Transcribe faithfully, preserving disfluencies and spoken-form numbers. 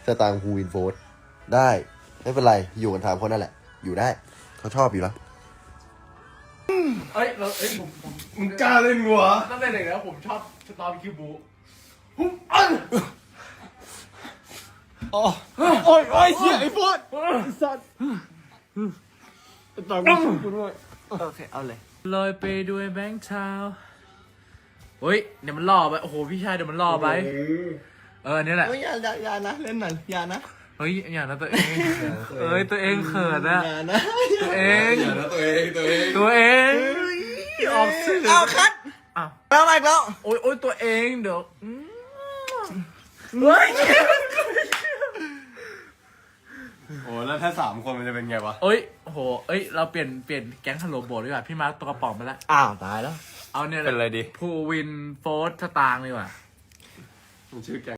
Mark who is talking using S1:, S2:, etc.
S1: สตางค์ฮูวินโฟร์ได้ไม่เป็นไรอยู่กันสามคนนั่นแหละอยู่ได้เขาชอบอยู่แล้ว
S2: เอ้ยเราเอ้ยผมผม
S3: มึงกล้าเล่นกูเหรอ
S2: ตั้งแต่เด็กแล้วผมชอบสตอร์คิวบูหุ้มอัน
S3: โอ้ยโอ้ยเชี่ยไอ้โฟดสัตว์ตอนกูกูด้วยโอเคเอาเลย
S2: ลอยไปด้วยแบงค์เท้าเฮ้ยเดี๋ยวมันล่อไปโอ้โหพี่ชายเดี๋ยวมันล่อไปเออนี่แหละ
S3: อย่าอย่าอย่านะเล่นหน่อยอย่านะ
S2: เฮ้ยอย่างนั้นตัวเองเอ้ยตัวเองเขินอะ
S3: อย่านะ
S2: ตัวเอง
S3: อย่านะตัวเองตัวเอง
S2: ตัวเองออกสื่อ
S3: เอาคัด
S2: อ้าว
S3: แล้วอะไรแล้ว
S2: โอ้ยโอ้ยตัวเองเดี๋ยวเฮ้ย
S3: โอ้แล้วถ้าสามคนมันจะเป็นไงวะ
S2: เอ้ยโหเอ้ยเราเปลี่ยนเปลี่ยนแก๊งฮัลโหลโบดดีกว่าพี่มาร์คตัวกระป๋องไปแล้ว
S3: อ้าวตายแล้ว
S2: เอาเนี่ย
S3: เป็นอะไรดี
S2: ภูวินโฟร์สตางค์ดีกว่า
S3: มันชื่อแก